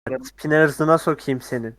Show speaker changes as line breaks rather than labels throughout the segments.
Tipine hırsına sokayım senin.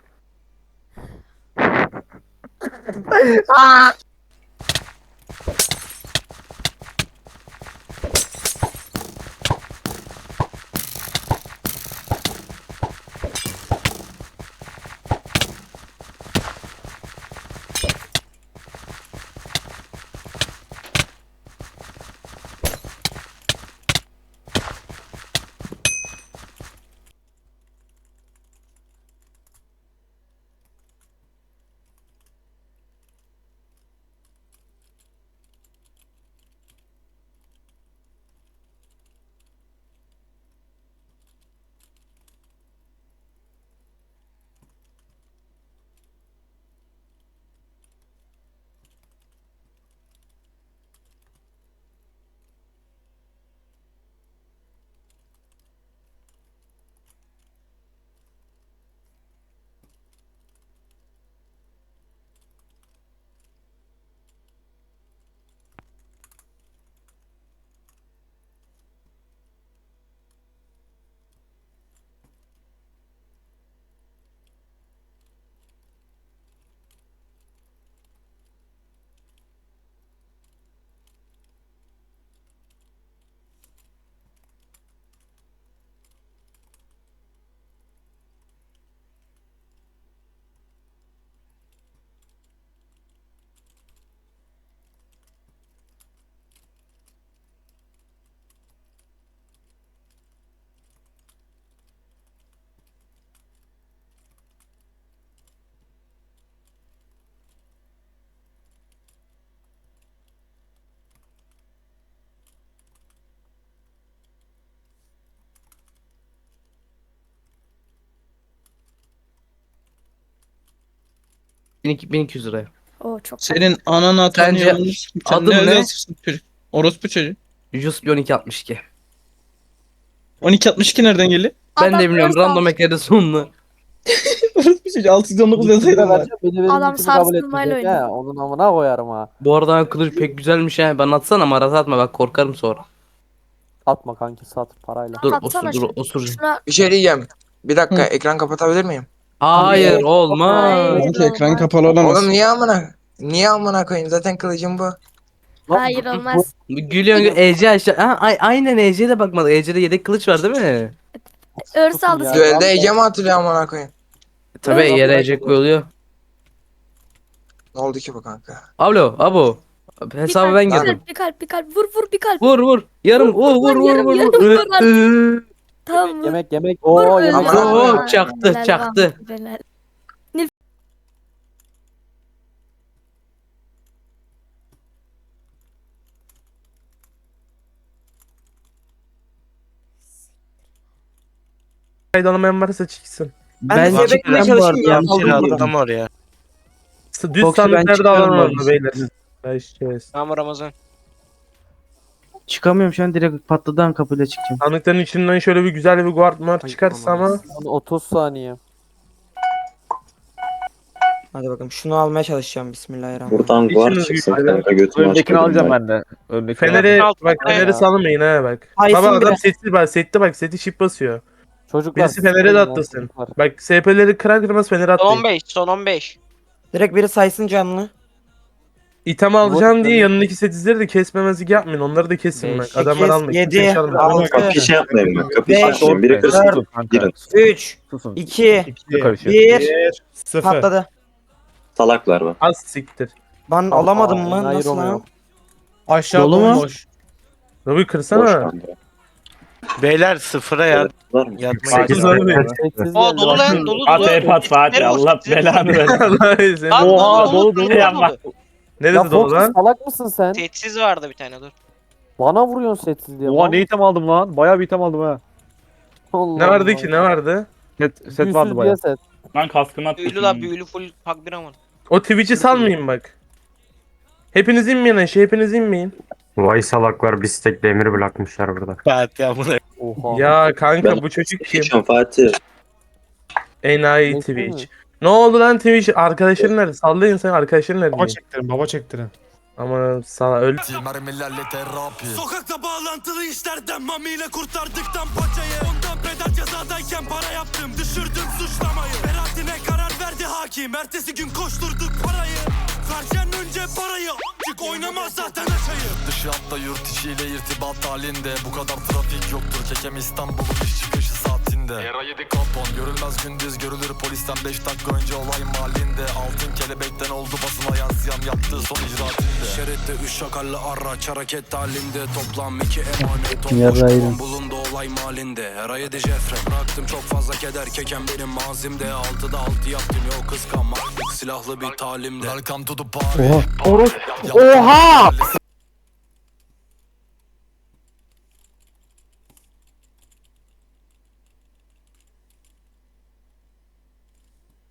$1200 liraya.
O çok
Senin ananı
Sence
tanıyormuş. Sen
adım
ne öyle
ne?
yazıyorsun çocuk? Orospu çocuğu.
Juspi 1262.
1262 nereden geliyor?
Ben
Adam
de bilmiyorum,
hırs
random
almış.
eklerin sonunu.
Orospu çocuğu 619 yazaydım var.
Beni
Adam
linkimi kabul
sarsılmayla
etmeyecek
oynuyor.
ha. Onun amına koyarım ha.
Bu arada kılıç pek güzelmiş ha. Bana atsana, maraz atma, bak korkarım sonra.
Satma kanki sat parayla.
Dur
Atsana
osur, dur
şunu.
osur.
Şuna
Bir şey diyeceğim. Bir dakika
Hı.
ekran kapatabilir miyim?
Hayır
Hayır.
olmaz.
Hayır.
Kanka ekran
olmaz.
kapalı olamaz.
Oğlum niye amına koyayım? Zaten kılıcım bu.
Hayır olmaz.
Gülüyorsun Ece aşağı. Ha, aynen Ece'ye de bakmadı. Ece'de yedek kılıç var değil mi?
Örs
Susun
aldı
ya.
seni.
Düelde Ece mi hatırlıyor amına koyayım?
Tabii
Öyle
yere Ece koyuluyor.
Ne oldu ki bu kanka?
Alo abo. Hesabı ben
Bir
girdim.
kalp, bir kalp, bir kalp. Vur vur bir kalp.
Vur vur. Yarım vur
yarım,
vur.
yarım vur
Hı.
Tamam vur.
Yemek.
Vur
Oo
öyle.
yemek.
Aman Allah'ım.
Helal,
Çaktı,
helal,
çaktı.
helal.
Kaydı alamayan varsa çıksın.
Ben de beklemeye çalışayım ya.
Yanlış yere attım oraya.
Düz
Yoksa ben
sandıkları da
çıkarım
alalım
abi.
beyler. Başlayacağız.
Tamam Ramazan.
Çıkamıyorum şu an, direkt patladan kapıyla çıkacağım.
Sandıkların içinden şöyle bir güzel bir guard mar çıkarsa ama
30 saniye.
Hadi bakalım şunu almaya çalışacağım, bismillahirrahmanirrahim.
Buradan guard
İçiniz
çıksın
güzel.
kanka, götümü
Öndekini
açmadım
alacağım
ben.
ben de. Öndekini
Fener'i
Altı
bak
tane
Fener'i
ya.
salmayın ha bak.
Haysın
Baba adam
bile.
seti bak seti şip basıyor.
Çocuklar.
Birisi Fener'e de atlasın. Bak SP'leri kırar kırmaz Fener'e
Son
atlayın.
15, son 15.
Direkt biri saysın canlı.
İtem alacağım
Vur.
diye yanındaki setizleri de kesmemezlik yapmayın. Onları da kesin bak.
Beş,
Adamlar
sekiz,
almayın.
yedi,
Kimse çalmayın.
altı,
Kapı şey yapmayın bak, kapı şey
Beş,
yapmayın. Biri kırsın,
dört,
girin.
3,
Susun.
2,
Karışıyor.
1,
Sıfır.
patladı.
Salaklar var.
Az siktir.
Ben alamadım mı?
hayır
Nasıl
oluyor.
lan?
Aşağı
Dolu mu?
bomboş.
Robi
Boş
kırsana.
kanka.
Beyler sıfıra ya.
Var mı?
Yatmayın.
Sekiz var mı?
Sessiz
Aa
geldi.
dolu lan, dolu.
At pat Fatih, Allah belanı versin.
Allah'ı sen.
Lan,
Oha dolu dolu yapma.
Ya
Neresi dolu
Fox
lan?
salak mısın sen?
Setsiz vardı bir tane, dur.
Bana vuruyorsun setsiz diye.
Oha ne item aldım lan. Bayağı bir item aldım ha.
Allah
Ne vardı
Allah.
ki ne vardı?
Set
Büyüsüz
vardı
diye
bayağı.
set.
Ben kaskını attım.
Büyülü la, büyülü full pak bir aman.
O Twitch'i salmayın bak. Hepiniz inmeyin aşağı, hepiniz inmeyin.
Vay salaklar, bir stek demir bırakmışlar burada.
Fatih amına.
Oha.
Ya kanka
Ben-
bu çocuk kim?
Geçiyorum Fatih.
Enayi
Neyse mi?
Twitch. Ne oldu lan Twitch? Arkadaşların nerede? Sallayın sen arkadaşların nerede?
Baba çektirin.
Aman sana öl.
Mermilerle terapi. Sokakta bağlantılı işlerden mamiyle kurtardıktan paçayı. Ondan pedal cezadayken para yaptım. Düşürdüm suçlamayı. Beraatine karar verdi hakim. Ertesi gün koşturduk parayı. Harcayan önce parayı. Çık oynamaz zaten aşayı. Dışı hatta yurt içiyle irtibat halinde. Bu kadar trafik yoktur. Kekem İstanbul'un iş çıkışı saatinde. Era 7 kapon. Görülmez gündüz görülür polisten 5 dakika önce olay mahallinde. Altın kelebekten oldu basına yansıyan yaptığı son icraatinde. Şeritte 3 şakallı araç hareket halinde. Toplam 2 emanet.
Yarraydım.
Bulundu olay mahallinde. Era 7 Jeffrey. bıraktım çok fazla keder. Kekem benim mazimde. 6'da 6 yaptım yok kıskanmak. Silahlı bir talimde. Welcome to the party.
Oha.